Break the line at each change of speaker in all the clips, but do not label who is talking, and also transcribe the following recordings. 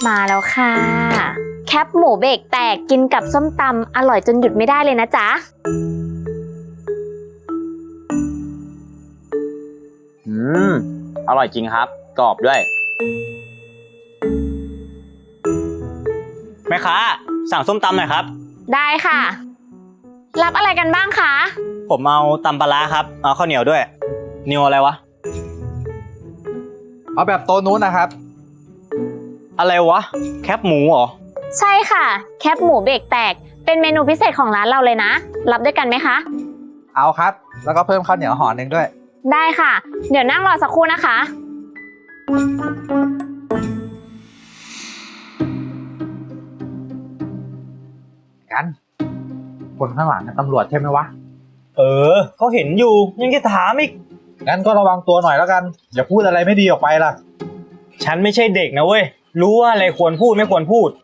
มาแล้วค่ะแคปหมูเบรกแตกกินกับส้มตำอร่อยจนหยุดไม่ได้เลยนะจ๊ะ
อร่อยจริงครับกรอบด้วยแม่ค้าสั่งส้มตำหน่อยครับ
ได้ค่ะรับอะไรกันบ้างคะ
ผมเอาตำปลาร้าครับเอาข้าวเหนียวด้วยนิวอะไรวะ
เอาแบบโต๊ะนู้นนะครับ
อะไรวะแคปหมูเหรอ
ใช่ค่ะแคปหมูเบรกแตกเป็นเมนูพิเศษของร้านเราเลยนะรับด้วยกันไหมคะ
เอาครับแล้วก็เพิ่มข้าวเหนียวห่อหนึ่งด้วย
ได้ค่ะเดี๋ยวนั่งรอสักครู่นะคะ
กันคนข้างหลังตำรวจใช่ไหมวะ
เขาเห็นอยู่ยังจะถามอีก
งั้นก็ระวังตัวหน่อยแล้วกันอย่าพูดอะไรไม่ดีออกไปล่ะ
ฉันไม่ใช่เด็กนะเว้ยรู้ว่าอะไรควรพูดไม่ควรพูด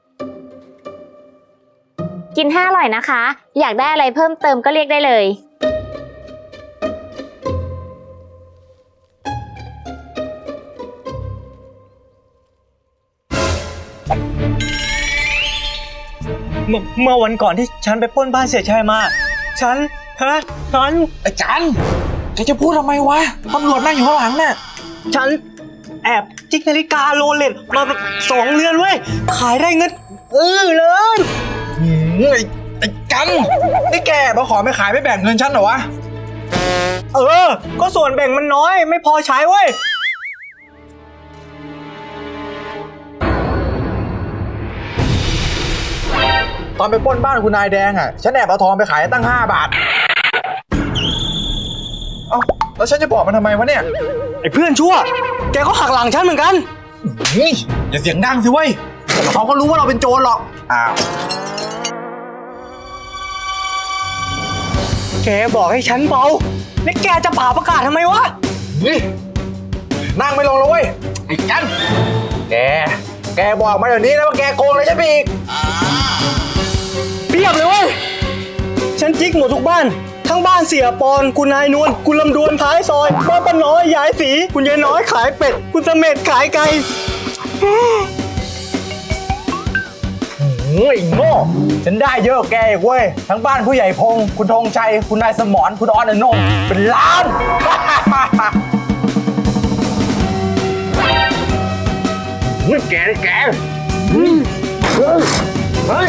กินให้อร่อยนะคะอยากได้อะไรเพิ่มเติมก็เรียกได้เลย
เมื่อวันก่อนที่ฉันไปปล้นบ้านเสียชัยมาฉัน
ไอ้จันแกจะพูดทำไมวะตำรวจนั่งอยู่ข้างหลังเนี่ย
ฉันแอบจิกนาฬิกาโรเล็กมาแบบ2 เรือนเว้ยขายได้เงินเลย
ไอ้กันนี่แกมาขอไม่ขายไม่แบ่งเงินฉันเหรอวะ
ก็ส่วนแบ่งมันน้อยไม่พอใช้เว้ย
ตอนไปปล้นบ้านคุณนายแดงอ่ะฉันแอบเอาทองไปขายตั้ง5 บาทเอ้าแล้วฉันจะบอกมันทำไมวะเนี่ย
ไอ้เพื่อนชั่วแกก็หักหลังฉันเหมือนกัน
อย่าเสียงดังสิเว้ยเขาก็รู้ว่าเราเป็นโจรหรอกอ้าว
แกบอกให้ฉันเบาแล้วแกจะผ่าประกาศทำไมวะ
นั่งไม่ลงแล้วเว้ยไอ้กันแกบอกมาเดี๋ยวนี้นะว่าแกโกงเลยใช่ไหมอีก
เปรียบเลยเว้ยฉันจิกหมดทุกบ้านทั้งบ้านเสียปอนคุณนายนวลคุณลำดวนท้ายซอยบ้านป้าน้อยยายสีคุณยายน้อยขายเป็ดคุณเสม็ดขายไก่
ไอ้โง่ฉันได้เยอะแกอีกเว้ยทั้งบ้านผู้ใหญ่พงษ์คุณธงชัยคุณนายสมรคุณออนอนงเป็นล้านแกเฮ้ย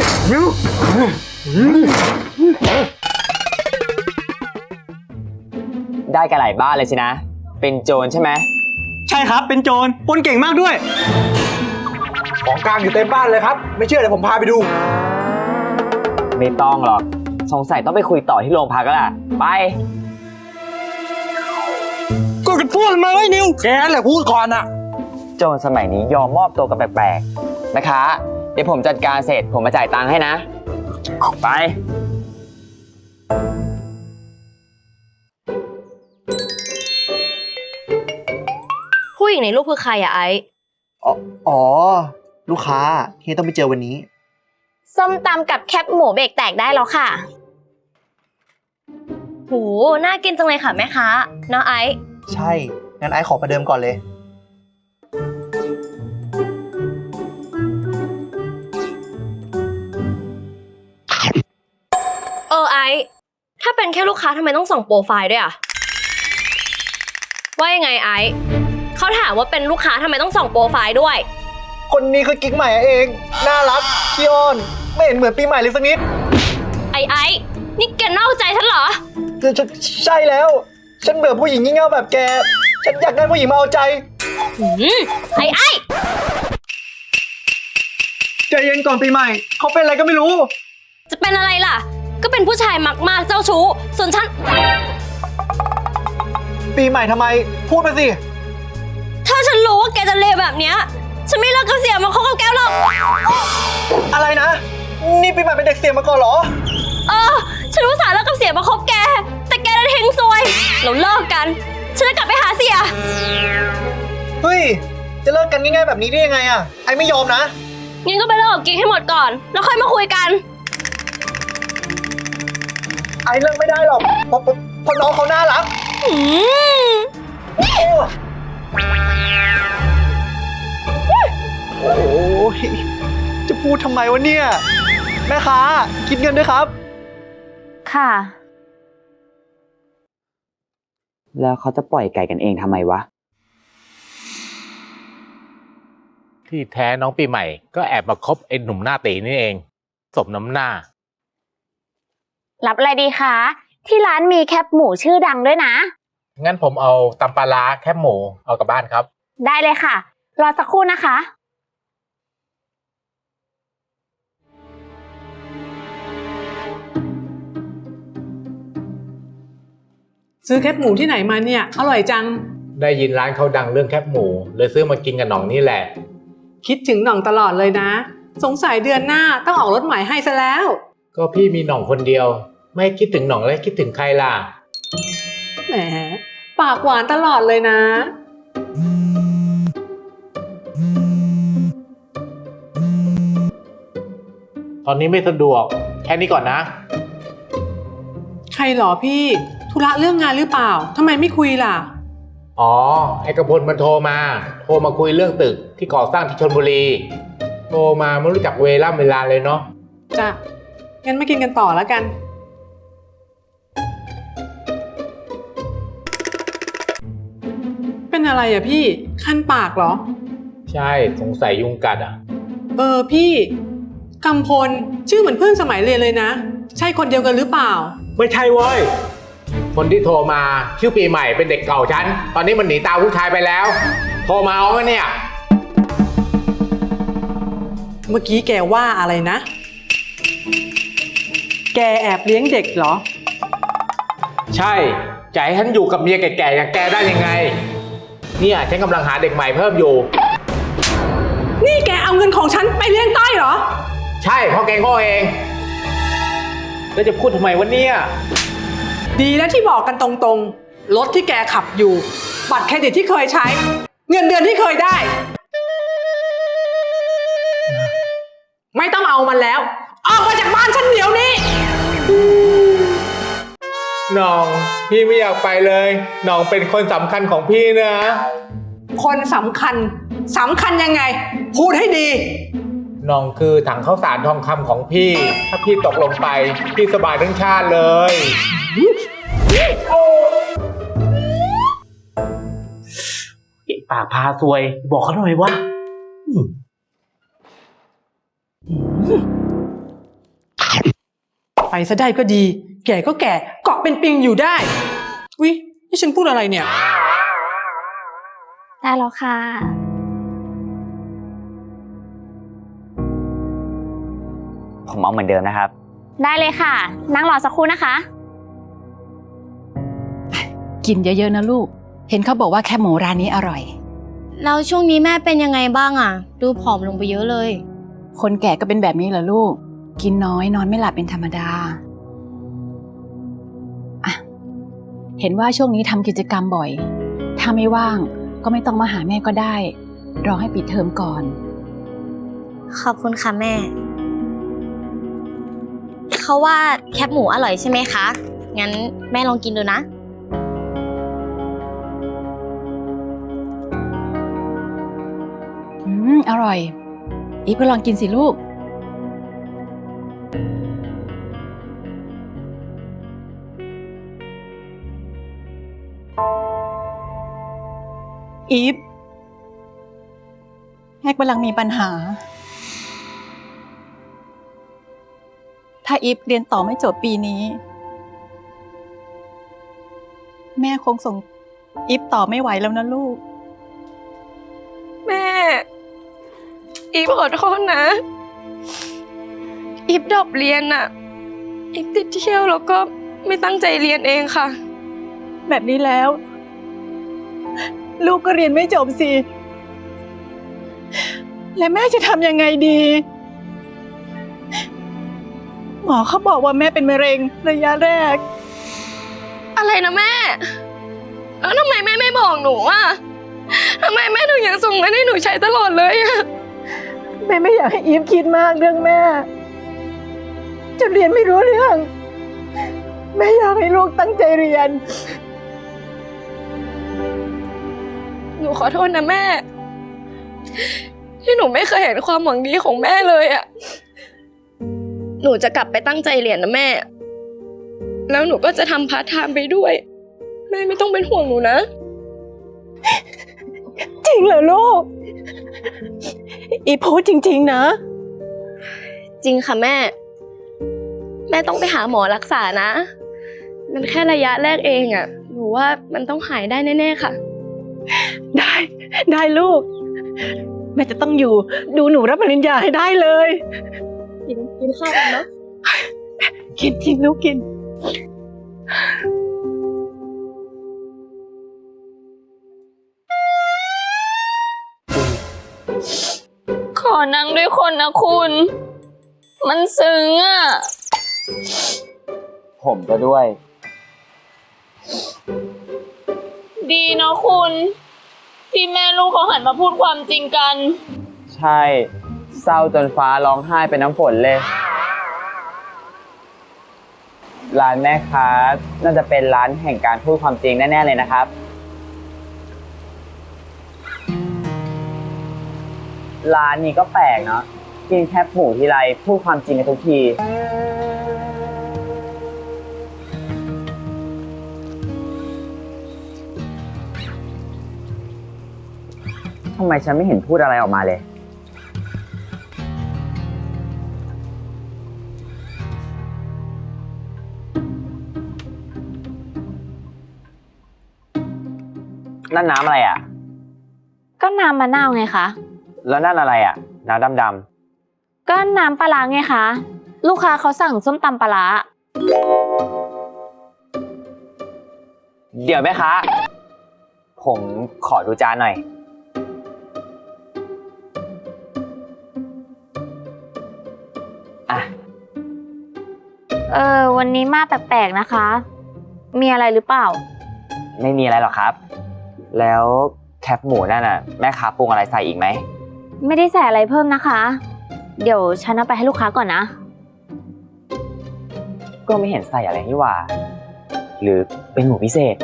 ได้กันหลายบ้านเลยสินะเป็นโจรใช่ไหม
ใช่ครับเป็นโจรปล้นเก่งมากด้วย
ของกลางอยู่เต็มบ้านเลยครับไม่เชื่อเดี๋ยวผมพาไปดู
ไม่ต้องหรอกสงสัยต้องไปคุยต่อที่โรงพักแล้วล่ะไป
ก็จะพูดมาไว้นิว
แกนั่นแหละพูดก่อนอะ
โจรสมัยนี้ยอมมอบตัวกันแปลกๆนะคะเดี๋ยวผมจัดการเสร็จผมมาจ่ายตังค์ให้นะไป
ผู้หญิงในรูปคือใครอะไอซ์
อ๋อลูกค้าที่ต้องไปเจอวันนี้
ส้มตำกับแคปหมูเบรกแตกได้แล้วค่ะ
โหน่ากินจังเลยค่ะแม่ค้าน้าไอซ์
ใช่งั้นไอซ์ขอประเดิมก่อนเลย
ไอซ์ถ้าเป็นแค่ลูกค้าทำไมต้องส่องโปรไฟล์ด้วยอะว่ายังไงไอซ์เขาถามว่าเป็นลูกค้าทำไมต้องส่องโปรไฟล์ด้วย
คนนี้คือกิ๊กใหม่เองน่ารักขี้อ้อนไม่เห็นเหมือนปีใหม่เลยสักนิด
ไอซ์นี่แกนอกใจฉันเหรอ
ใช่แล้วฉันเบื่อผู้หญิงงี่เง่าแบบแกฉันอยากได้ผู้หญิงมาเอาใจ
ไอ้
ใจเย็นก่อนปีใหม่เขาเป็นอะไรก็ไม่รู้
จะเป็นอะไรล่ะก็เป็นผู้ชายมากๆเจ้าชู้ส่วนฉัน
ปีใหม่ทำไมพูดมาสิ
ถ้าฉันรู้ว่าแกจะเลวแบบเนี้ยฉันไม่เลิกกับเสียมาคบกับแกหรอก
อะไรนะนี่ปีใหม่เป็นเด็กเสียมาก่อนเหรอ
ฉันรู้สาเลิกกับเสียมาคบแกแต่แกได้ทิ้งซวยเราเลิกกันฉันจะกลับไปหาเสีย
เฮ้ยจะเลิกกันง่ายๆแบบนี้ได้ยังไงอะไอไม่ยอมนะ
งั้นก็ไปเลิกกับกิ๊กให้หมดก่อนแล้วค่อยมาคุยกัน
ไอเลิกไม่ได้หรอกเพราะน้องเขาน่ารักโอ้
ยจะพูดทำไมวะเนี่ย แม่ค้าคิดเงินด้วยครับ
ค่ะ
แล้วเขาจะปล่อยไก่กันเองทำไมวะ
ที่แท้น้องปีใหม่ก็แอบมาคบไอ้หนุ่มหน้าตีนี่เอง สมน้ำหน้า
รับอะไรดีคะ ที่ร้านมีแคปหมูชื่อดังด้วยนะ
งั้นผมเอาตำปลาร้าแคบหมูเอากลับบ้านครับ
ได้เลยค่ะ รอสักครู่นะคะ
ซื้อแคบหมูที่ไหนมาเนี่ย อร่อยจัง
ได้ยินร้านเขาดังเรื่องแคบหมูเลยซื้อมากินกับหน่องนี่แหละ
คิดถึงหน่องตลอดเลยนะ สงสัยเดือนหน้าต้องออกรถใหม่ให้ซะแล้ว
ก็พี่มีหน่องคนเดียว ไม่คิดถึงหน่องแล้วคิดถึงใครล่ะ
แหม ปากหวานตลอดเลยนะ
ตอนนี้ไม่สะดวกแค่นี้ก่อนนะ
ใครหรอพี่ ธุระเรื่องงานหรือเปล่า ทำไมไม่คุยล่ะ
อ๋อ ไอ้กระพลมันโทรมาคุยเรื่องตึกที่ก่อสร้างที่ชลบุรี โทรมาไม่รู้จักเวลาเลยเนาะ
จ้ะ งั้นมากินกันต่อแล้วกัน เป็นอะไรอ่ะพี่ คันปากเหรอ
ใช่สงสัยยุงกัดอ่ะ
พี่กำพลชื่อเหมือนเพื่อนสมัยเรียนเลยนะ ใช่คนเดียวกันหรือเปล่า
ไม่ใช่เว้ย คนที่โทรมาชื่อปีใหม่เป็นเด็กเก่าฉัน ตอนนี้มันหนีตามผู้ชายไปแล้ว โทรมาเอาไหมเนี่ย
เมื่อกี้แกว่าอะไรนะ แกแอบเลี้ยงเด็กเหรอ
ใช่จะให้ฉันอยู่กับเมียแก่ๆอย่างแกได้ยังไง เนี่ยฉันกำลังหาเด็กใหม่เพิ่มอยู่
นี่แกเอาเงินของฉันไปเลี้ยงต้อยเหรอ
ใช่พ่อแกงพ่อเอง แล้วจะพูดทำไมวะเนี่ย
ดีแล้วที่บอกกันตรงๆ รถที่แกขับอยู่ บัตรเครดิตที่เคยใช้ เงินเดือนที่เคยได้ ไม่ต้องเอามันแล้ว ออกมาจากบ้านฉันเดี๋ยวนี้
น้องพี่ไม่อยากไปเลย น้องเป็นคนสำคัญของพี่นะ
คนสำคัญยังไง พูดให้ดี
น้องคือถังข้าวสารทองคำของพี่ ถ้าพี่ตกลงไป พี่สบายทั้งชาติเลยปากพาซวย บอกเขาหน่อยว่า
ไปซะได้ก็ดี แก่ก็แก่ เกาะเป็นปิงอยู่ได้ วินี่ฉันพูดอะไรเนี่ย
ได้แล้วค่ะ
ผมเอาเหมือนเดิมนะครับ
ได้เลยค่ะ นั่งรอสักครู่นะคะ
กินเยอะๆนะลูก เห็นเขาบอกว่าแคบหมูร้านนี้อร่อย
แล้วช่วงนี้แม่เป็นยังไงบ้างอ่ะ ดูผอมลงไปเยอะเลย
คนแก่ก็เป็นแบบนี้เหรอลูก กินน้อยนอนไม่หลับเป็นธรรมดาอ่ะเห็นว่าช่วงนี้ทำกิจกรรมบ่อย ถ้าไม่ว่างก็ไม่ต้องมาหาแม่ก็ได้ รอให้ปิดเทอมก่อน
ขอบคุณค่ะแม่ เขาว่าแคบหมูอร่อยใช่ไหมคะ งั้นแม่ลองกินดูนะ
อร่อย อีฟก็ลองกินสิลูก อีฟแม่กำลังมีปัญหา ถ้าอีฟเรียนต่อไม่จบปีนี้ แม่คงส่งอีฟต่อไม่ไหวแล้วนะลูก
แม่ อีฟขอโทษนะ อีฟดรอปเรียนน่ะ อีฟติดเที่ยวแล้วก็ไม่ตั้งใจเรียนเองค่ะ
แบบนี้แล้ว ลูกก็เรียนไม่จบสิ และแม่จะทำยังไงดี หมอเขาบอกว่าแม่เป็นมะเร็งระยะแรก
อะไรนะแม่ แล้วทำไมแม่ไม่บอกหนูอ่ะทำไมแม่ถึงยังส่งเงินให้หนูใช้ตลอดเลยอ่ะ
แม่ไม่อยากให้อีฟคิดมากเรื่องแม่จนเรียนไม่รู้เรื่อง แม่อยากให้ลูกตั้งใจเรียน
หนูขอโทษนะแม่ที่หนูไม่เคยเห็นความหวังดีของแม่เลยอะหนูจะกลับไปตั้งใจเรียนนะแม่ แล้วหนูก็จะทำพาร์ทไทม์ไปด้วย แม่ไม่ต้องเป็นห่วงหนูนะ
จริงเหรอลูก อีพูดจริงๆนะ
จริงค่ะแม่ แม่ต้องไปหาหมอรักษานะ มันแค่ระยะแรกเองอะหนูว่ามันต้องหายได้แน่ๆค่ะ
ได้ลูก แม่จะต้องอยู่ดูหนูรับปริญญาให้ได้เลย
กินข้าวกันเนาะ
กินลูกกิน
ขอนั่งด้วยคนนะคุณ มันซึ้งอ่ะ
ผมก็ด้วย
ดีเนาะคุณ ที่แม่ลูกเขาหันมาพูดความจริงกัน
ใช่ เศร้าจนฟ้าร้องไห้เป็นน้ำฝนเลย ร้านแม่ค้าน่าจะเป็นร้านแห่งการพูดความจริงแน่ๆเลยนะครับ ร้านนี้ก็แปลกเนาะกินแคบหมูทีไรพูดความจริงกันทุกทีทำไมฉันไม่เห็นพูดอะไรออกมาเลย นั่นน้ำอะไรอ่ะ
ก็น้ำมะนาวไงคะ
แล้วนั่นอะไรอ่ะ น้ำดำ
ก็น้ำปลาร้าไงคะ ลูกค้าเขาสั่งส้มตำปลาร้า
ๆเดี๋ยวแม่ค้าผมขอดูจานหน่อย อ่ะ
วันนี้มาแปลกๆนะคะ มีอะไรหรือเปล่า
ไม่มีอะไรหรอกครับ แล้วแคปหมูนั่นน่ะแม่ค้าปรุงอะไรใส่อีกไหม
ไม่ได้ใส่อะไรเพิ่มนะคะ เดี๋ยวฉันเอาไปให้ลูกค้าก่อนนะ
ก็ไม่เห็นใส่อะไรนี่หว่า หรือเป็นหมูพิเศษ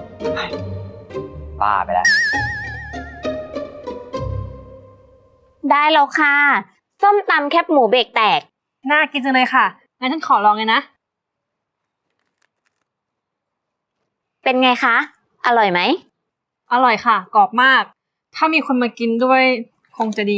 บ้าไปแล้ว
ได้แล้วค่ะ ส้มตำแคบหมูเบรกแตก
น่ากินจังเลยค่ะ งั้นฉันขอลองเลยนะ
เป็นไงคะ อร่อยไหม
อร่อยค่ะ กรอบมาก ถ้ามีคนมากินด้วยคงจะดี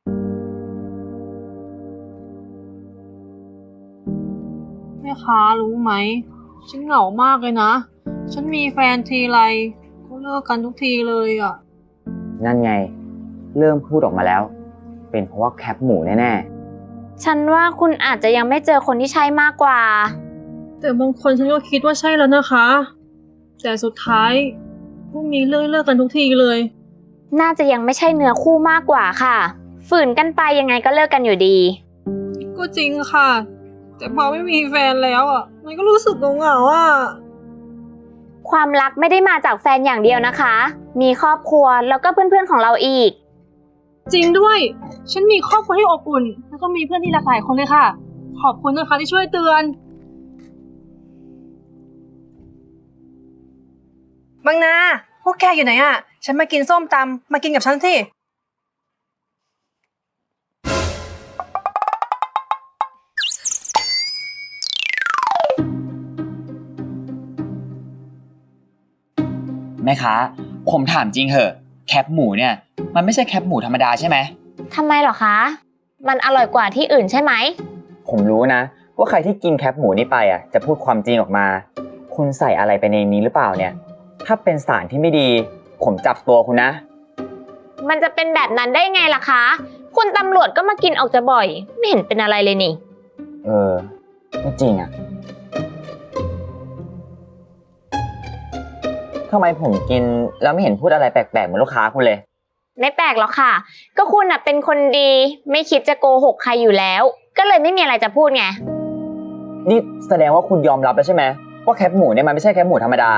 แม่ค้ารู้ไหม ฉันเหงามากเลยนะ ฉันมีแฟนทีไรก็เลิกกันทุกทีเลยอ่ะ
นั่นไง เริ่มพูดออกมาแล้ว เป็นเพราะว่าแคปหมูแน่
ฉันว่าคุณอาจจะยังไม่เจอคนที่ใช่มากกว่า
แต่บางคนฉันก็คิดว่าใช่แล้วนะคะ แต่สุดท้ายก็มีเรื่องเลิกกันทุกทีเลย
น่าจะยังไม่ใช่เนื้อคู่มากกว่าค่ะ ฝืนกันไปยังไงก็เลิกกันอยู่ดี
ก็จริงค่ะ แต่พอไม่มีแฟนแล้วอ่ะ มันก็รู้สึกเหงาๆอ่ะ
ความรักไม่ได้มาจากแฟนอย่างเดียวนะคะ มีครอบครัวแล้วก็เพื่อนๆของเราอีก
จริงด้วย ฉันมีครอบครัวที่อบอุ่น แล้วก็มีเพื่อนที่หลากหลายคนเลยค่ะ ขอบคุณนะคะที่ช่วยเตือน บางนา พวกแกอยู่ไหนอ่ะ ฉันมากินส้มตำมากินกับฉันสิ
ๆ แม่ค้าผมถามจริงเหอะ แคปหมูเนี่ย มันไม่ใช่แคปหมูธรรมดาใช่ไหม
ทำไมเหรอคะ มันอร่อยกว่าที่อื่นใช่ไหม
ผมรู้นะ ว่าใครที่กินแคปหมูนี่ไปอ่ะจะพูดความจริงออกมา คุณใส่อะไรไปในนี้หรือเปล่าเนี่ย ถ้าเป็นสารที่ไม่ดี ผมจับตัวคุณนะ
มันจะเป็นแบบนั้นได้ไงล่ะคะ คุณตำรวจก็มากินออกจะบ่อย ไม่เห็นเป็นอะไรเลยนี่
ไม่จริงอ่ะทำไมผมกินแล้วไม่เห็นพูดอะไรแปลกๆเหมือนลูกค้าคุณเลย
ไม่แปลกหรอกค่ะ ก็คุณน่ะเป็นคนดี ไม่คิดจะโกหกใครอยู่แล้ว ก็เลยไม่มีอะไรจะพูดไง
นี่แสดงว่าคุณยอมรับแล้วใช่ไหมว่าแคปหมูเนี่ยมันไม่ใช่แคปหมูธรรมดา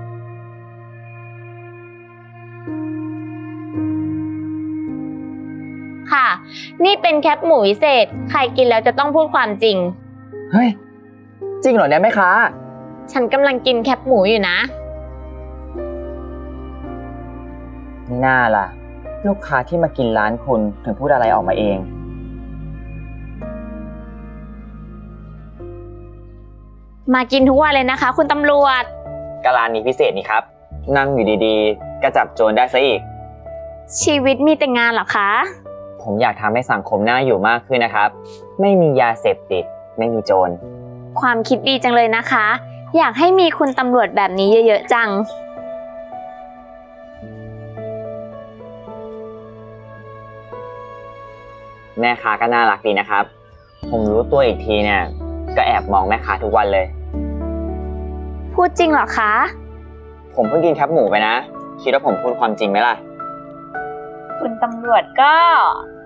ค่ะ นี่เป็นแคปหมูพิเศษ ใครกินแล้วจะต้องพูดความจริง
เฮ้ย จริงเหรอเนี่ยแม่ค้า
ฉันกำลังกินแคปหมูอยู่นะ
ไม่น่าล่ะลูกค้าที่มากินร้านคุณถึงพูดอะไรออกมาเอง
มากินทุกวันเลยนะคะ คุณตำรวจ
ก็ร้านนี้พิเศษนี่ครับ นั่งอยู่ดีๆ ก็จับโจรได้ซะอีก
ชีวิตมีแต่งานเหรอคะ
ผมอยากทำให้สังคมน่าอยู่มากขึ้นนะครับ ไม่มียาเสพติด ไม่มีโจร
ความคิดดีจังเลยนะคะ อยากให้มีคุณตำรวจแบบนี้เยอะๆจัง
แม่ค้าก็น่ารักดีนะครับ ผมรู้ตัวอีกทีเนี่ย ก็แอบมองแม่ค้าทุกวันเลย
พูดจริงเหรอคะ
ผมเพิ่งกินแคปหมูไปนะ คิดว่าผมพูดความจริงไหมล่ะ
คุณตำรวจก็